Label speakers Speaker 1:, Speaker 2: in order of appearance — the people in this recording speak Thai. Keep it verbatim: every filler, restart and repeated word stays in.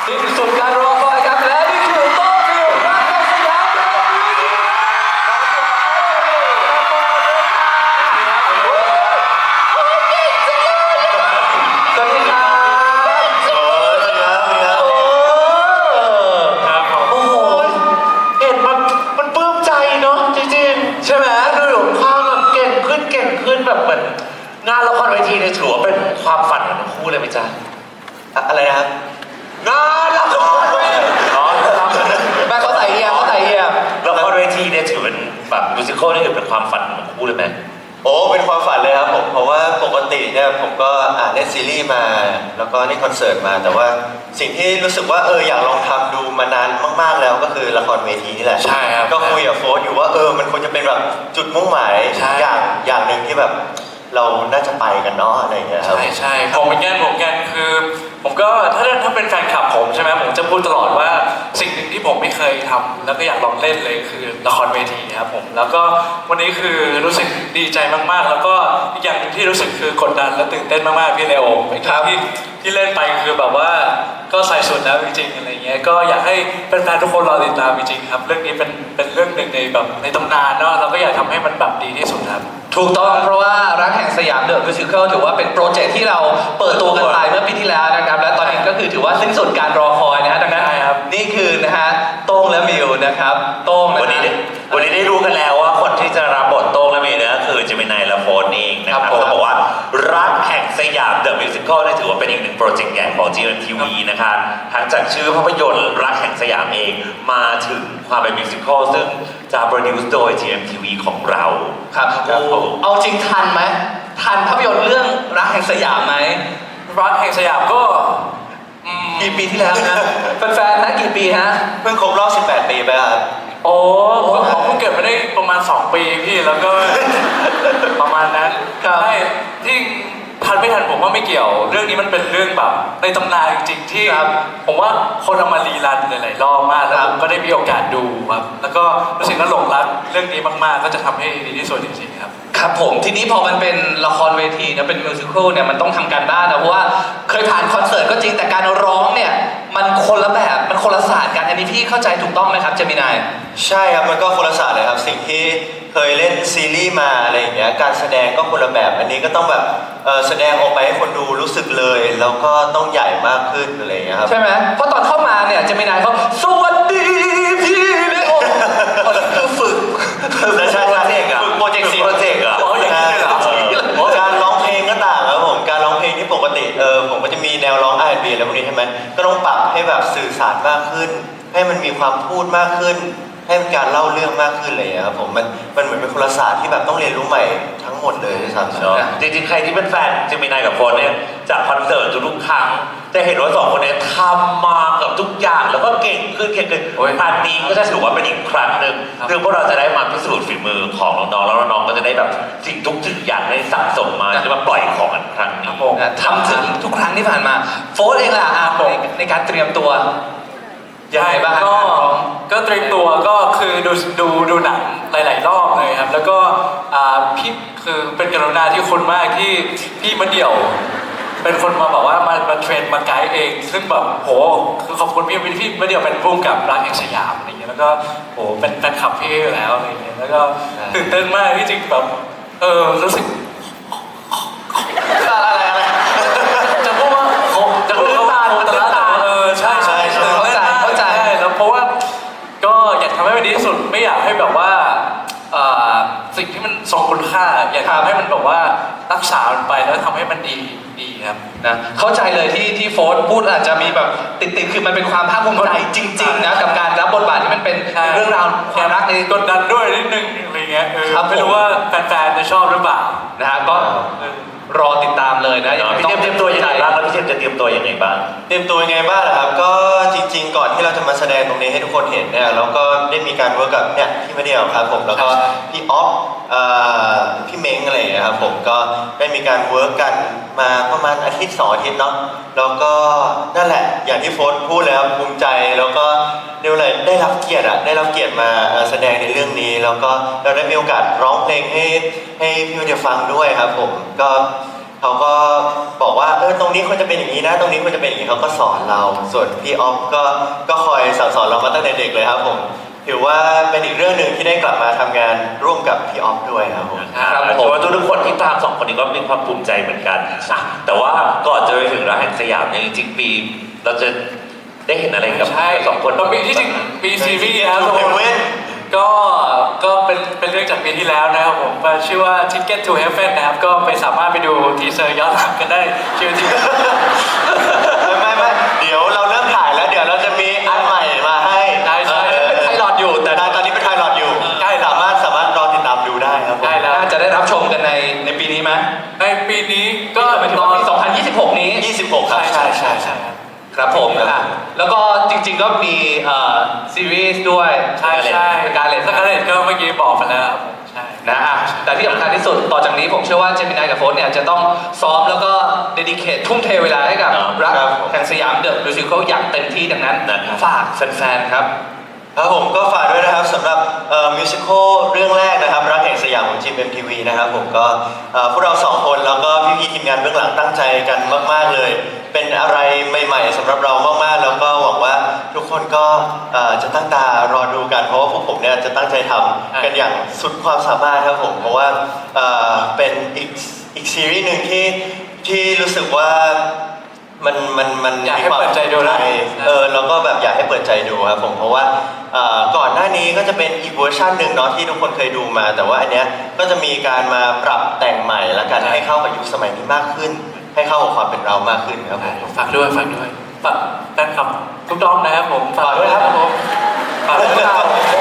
Speaker 1: สิ้นสุดการรอคอยครับและนี่คือโต้ฟิวรักแห่งสยามสวัสดีครับโอ้โหเห็นมันมันปลื้มใจเนาะจริงๆใช่ไหมดูหลงข้างแบบเก่งขึ้นเก่งขึ้นแบบเหมือนงานละครเวทีเนี่ยถือว่าเป็นความฝันของทั้งคู่เลยไหมจ๊ะอะไรนะครับงานละครเวทีอ๋อแม่เขาใส่เฮียเขาใส่เฮียละครเวทีเนี่ยถือเป็นแบบมิวสิควลนี่ถือเป็นความฝันของทั้งคู่เลยไหม
Speaker 2: โอ้เป็นความฝันเลยครับผมเพราะว่าปกติเนี่ยผมก็อ่านเล่นซีรีส์มาแล้วก็เล่นคอนเสิร์ตมาแต่ว่าสิ่งที่รู้สึกว่าเอออยากลองทำดูมานานมากๆแล้วก็คือละครเวทีนี่แหละ
Speaker 1: ใช่ครับ
Speaker 2: ก็คุยกับโฟร์อยู่ว่าเออมันควรจะเป็นแบบจุดมุ่งหมายอย่างอย่างหนึ่งที่แบบเราน่าจะไปกันเนาะอะไรอย่างเงี้ยครับ
Speaker 3: ใช่ใช่ผมเหมือนกันผมเหมือนกันคือผมก็ถ้าถ้าเป็นแฟนคลับผมใช่ไหมผมจะพูดตลอดว่าสิ่งหนึ่งที่ผมไม่เคยทำแล้วก็อยากลองเล่นเลยคือละครเวทีครับผมแล้วก็วันนี้คือรู้สึกดีใจมากๆแล้วก็อีกอย่างหนึ่งที่รู้สึกคือกดดันและตื่นเต้นมากๆพี่เลโอเป็นครั้งที่ที่เล่นไปคือแบบว่าก็ใส่สุดแล้วจริงๆอะไรเงี้ยก็อยากให้แฟนๆทุกคนรอติดตามจริงๆครับเรื่องนี้เป็นเป็นเรื่องหนึ่งในแบบในตำนานเนาะเราก็อยากทำให้มันแบบดีที่สุดครับ
Speaker 1: ถูกต้องเพราะว่ารักแห่งสยามเดอะมิวสิคลถือว่าเป็นโปรเจกต์ที่เราเปิดตัวกันไปเมื่อปีที่แล้วนะครับและตอนนี้ก็คือถือว่าสิ้นสุดการรอคอยนะฮะดังนั้นนี่คือนะฮะโต้งและมิวนะครับโต้งวันนี้
Speaker 4: วันนี้ได้รู้กันแล้วว่าคนที่จะรับบทโต้งและมิวเนี่ยก็คือเจมินายและโฟนเองนะครับเขาบอกว่ารักแห่งสยามเดอะมิวสิคลนี่ถือว่าเป็นอีกหนึ่งโปรเจกต์ใหญ่ของ จี เอ็ม ที วี นะคะทั้งจากชื่อภาพยนตร์รักแห่งสยามเองมาถึงความเป็นมิวสิคลซึ่งจะโปรดิวซ์โดย จี เอ็ม ที วี ของเรา
Speaker 1: ครับเอาจริงทันไหมทันภาพยนตร์เรื่องรักแห่งสยามไหม
Speaker 3: รักแห่งสยามก็
Speaker 1: กี่ปีที่แล้วนะแฟนๆนะกี่ปีฮะ
Speaker 2: เพิ่งครบรอบสิบแปดปีไปครับ
Speaker 3: โอ้ผมเพิ่งเกิดมาได้ประมาณสองปีพี่แล้วก็ประมาณนั้นใช่ที่ทันไม่ทันผมว่าไม่เกี่ยวเรื่องนี้มันเป็นเรื่องแบบในตำนานจริงๆที่ผมว่าคนเอามารีรันหลายๆรอบมากแล้วผมก็ได้มีโอกาสดูครับแล้วก็รู้สึกว่าหลงรักเรื่องนี้มากๆก็จะทำให้ดีที่สุดจริงๆครับ
Speaker 1: ครับผมทีนี้พอมันเป็นละครเวทีนะเป็นมิวสิควลเนี่ยมันต้องทำการบ้านนะเพราะว่าเคยผ่านคอนเสิร์ตก็จริงแต่การร้องเนี่ยมันคนละแบบมันคนละศาสตร์กันอันนี้พี่เข้าใจถูกต้องไหมครับเจมินาย
Speaker 2: ใช่ครับมันก็คนละศาสตร์เลยครับสิ่งที่เคยเล่นซีรีส์มาอะไรอย่างเงี้ยการแสดงก็คนละแบบอันนี้ก็ต้องแบบแสดงออกไปให้คนดูรู้สึกเลยแล้วก็ต้องใหญ่มากขึ้นอะไรอย่างเงี้ยครับ
Speaker 1: ใช่ไหมเพราะตอนเข้ามาเนี่ยเจมินายเขาสวัสดีพี่เลโอคือฝึก
Speaker 2: ใช่ใช่ใช่
Speaker 1: ฝึกโปรเจกต์ซี
Speaker 2: โปรเจกต์เหรอการร้องเพลงก็ต่างครับผมการร้องเพลงที่ปกติเออผมก็จะมีแนวร้อง อาร์ แอนด์ บี อะไรพวกนี้ใช่ไหมก็ต้องปรับให้แบบสื่อสารมากขึ้นให้มันมีความพูดมากขึ้นให้มันการเล่าเรื่องมากขึ้นเลยครับผมมันมันเหมือนเป็นคนละศาสตร์ที่แบบต้องเรียนรู้ใหม่ทั้งหมดเลยด้วยซ้ำ
Speaker 4: เนาะจริงๆใครที่เป็นแฟนเจมินายกับโฟนเนี่ยจากคอนเสิร์ตทุกครั้งจะเห็นว่าสองคนนี้ทำมากับทุกอย่างแล้วก็เก่งขึ้นเก่งขึ้นครั้งนี้ก็จะถือว่าเป็นอีกครั้งหนึ่งคือพวกเราจะได้มาพิสูจน์ฝีมือของน้องๆแล้วน้องๆก็จะได้แบบสิ่งทุกสิ่งอย่างได้สะสมมาจะมาปล่อยของกันครั้งนี้
Speaker 1: ทำถึงทุกครั้งที่ผ่านมาโฟนเองล่ะอาผมในการเตรียมตัว
Speaker 3: ยังไงบ้างก็ก็เตรียมตัวก็คือดูดูดูหนังหลายๆรอบเลยครับแล้วก็พี่คือเป็นกรุณาที่คนมากที่พี่มาเดี่ยวเป็นคนมาบอกว่ามามาเทรนมาไกด์เองซึ่งแบบโหคือขอบคุณพี่พี่มาเดี่ยวเป็นผู้กำกับรักแห่งสยามอะไรอย่างเงี้ยแล้วก็โหเป็นแฟนคลับพี่อยู่แล้วอะไรอย่างเงี้ยแล้วก็ตื่นเต้นมากที่จริงแบบเออรู้สึก
Speaker 1: อะไรอะไร
Speaker 3: จะพูดว่าจะพูดว่าแต่ละแต่เออใช่ใช่เพราะว่าก็อยากทำให้มันดีที่สุดไม่อยากให้แบบว่าสิ่งที่มันทรงคุณค่าอยากทำให้มันแบบว่ารักษามันไปแล้วทำให้มันดีดีครับ
Speaker 1: นะเข้าใจเลยที่ที่โฟร์พูดอาจจะมีแบบติดติดคือมันเป็นความภาคภูมิใจจริงๆนะกับการรับบทบาทที่มันเป็นเรื่องราวความรักใน
Speaker 3: กดดันด้วยนิดนึงอะไรเงี้ยไม่รู้ว่าแฟนๆจะชอบหรือเปล่า
Speaker 1: นะฮะก็รอติดตามเลยนะ
Speaker 4: พี่เตรียมเตรียมตัวยังไงบ้างแล้วพี่เตรียมจะเตรียมตัวยังไงบ้าง
Speaker 2: เตรียมตัวยังไงบ้างครับก็จริงๆก่อนที่เราจะมาแสดงตรงนี้ให้ทุกคนเห็นเนี่ยเราก็ได้มีการเวิร์กกับเนี่ยพี่มาเดียวครับผมแล้วก็พี่ออฟพี่เม้งอะไรอย่างเงี้ยครับผมก็ได้มีการเวิร์กกันมาประมาณอาทิตย์สองอาทิตย์เนาะแล้วก็นั่นแหละอย่างที่โฟร์พูดแล้วภูมิใจแล้วก็เรียกว่าอะไรได้รับเกียรติอะได้รับเกียรติมาแสดงในเรื่องนี้แล้วก็เราได้มีโอกาสร้องเพลงให้ให้พี่มาเดียวฟังด้วยครับผมก็เขาก็บอกว่าเออตรงนี้ควรจะเป็นอย่างนี้นะ ตรงนี้ควรจะเป็นอย่างนี้เขาก็สอนเรา ส่วนพี่ออฟก็ก็คอยสั่งสอนเรามาตั้งแต่เด็กเลยครับผมถือว่าเป็นอีกเรื่องหนึ่งที่ได้กลับมาทำงานร่วมกับพี่ออฟด้วยครับผม
Speaker 4: ครับผมว่าทุกๆคนที่ตามสองคนนี้ก็มีความภูมิใจเหมือนกันอ่ะแต่ว่าก่อนจะไปถึงร้านแห่งสยามเนี่ยจริงๆปีเราจะได้เห็นอะไรกับ
Speaker 3: ใช่
Speaker 4: สองคน
Speaker 3: ก็มีที่จริงมีซีรีส์นะครับ
Speaker 2: To Heaven
Speaker 3: ก็ก็เป็นเป็นเรื่องจากปีที่แล้วนะครับผมชื่อว่า Ticket to Heaven นะครับก็ไปสามารถไปดูทีเซอร์ย้อนหลังกันได้ชื่อที่
Speaker 2: ไม่ไม่เดี๋ยวเราเริ่มถ่ายแล้วเดี๋ยวเราจะมีอันใหม่มาให้
Speaker 3: ใช่ใช่
Speaker 2: เออ
Speaker 5: เป็นไพลอตอยู่แต่
Speaker 2: แต่ตอนนี้เป็นไพลอตอยู่ใช่สามารถสามารถรอติดตามดูได้ครับผม
Speaker 3: ได้แล้ว
Speaker 5: น่าจะได้รับชมกันในในปีนี้ไหม
Speaker 3: ในปีนี้ก็
Speaker 5: หมายถึงว่าปีสองพันยี่สิบหกนี้
Speaker 2: ยี่สิบหกครับ
Speaker 3: ใช่ใช่ใช่ครับ
Speaker 5: ครับผมอ่ะแล้วก็จริงๆก็มีเอ่อซีรีส์ด้วย
Speaker 3: ใช่ใช่
Speaker 5: การเล่น
Speaker 3: สกาเลตก็เมื่อกี้บอกไปแล้วครับผมใช่
Speaker 5: นะอ่ะแต่ที่สำคัญที่สุดต่อจากนี้ผมเชื่อว่าเจมินายกับโฟสเนี่ยจะต้องซ้อมแล้วก็เดดิเคททุ่มเทเวลาให้กับรักแห่งสยามเดอะมิวสิคลอย่างเต็มที่ดังนั้นฝากแฟนๆครับ
Speaker 2: ครับผมก็ฝากด้วยนะครับสำหรับมิวสิควลเรื่องแรกนะครับรักแห่งสยามของ จี เอ็ม ที วี นะครับผมก็เอ่อพวกเราสองคนแล้วก็พี่ๆทีมงานเบื้องหลังตั้งใจกันมากๆเลย เป็นอะไรใหม่ๆสำหรับเรามากๆแล้วก็หวังว่าทุกคนก็เอ่อจะตั้งตารอดูกันเพราะว่าพวกผมเนี่ยจะตั้งใจทำกันอย่างสุดความสามารถครับผมเพราะว่าเอ่อเป็นอีกอีกซีรีส์หนึ่งที่ที่รู้สึกว่ามันมันมัน
Speaker 3: อยากให้เปิดใจดูนะ
Speaker 2: เออแล้วก็แบบอยากให้เปิดใจดูครับผมเพราะว่าเอ่อก่อนหน้านี้ก็จะเป็นอีกเวอร์ชันหนึ่งเนาะที่ทุกคนเคยดูมา แต่ว่าอันเนี้ยก็จะมีการมาปรับแต่งใหม่และกันให้เข้ากับยุคสมัยนี้มากขึ้น ให้เข้ากับความเป็นเรามากขึ้นครับผม
Speaker 3: ฝากด้วยฝากด้วยฝากแฟนคลับทุกดอมนะครับผม
Speaker 2: ฝากด้วยครับ
Speaker 3: ผมฝากด้วยครับ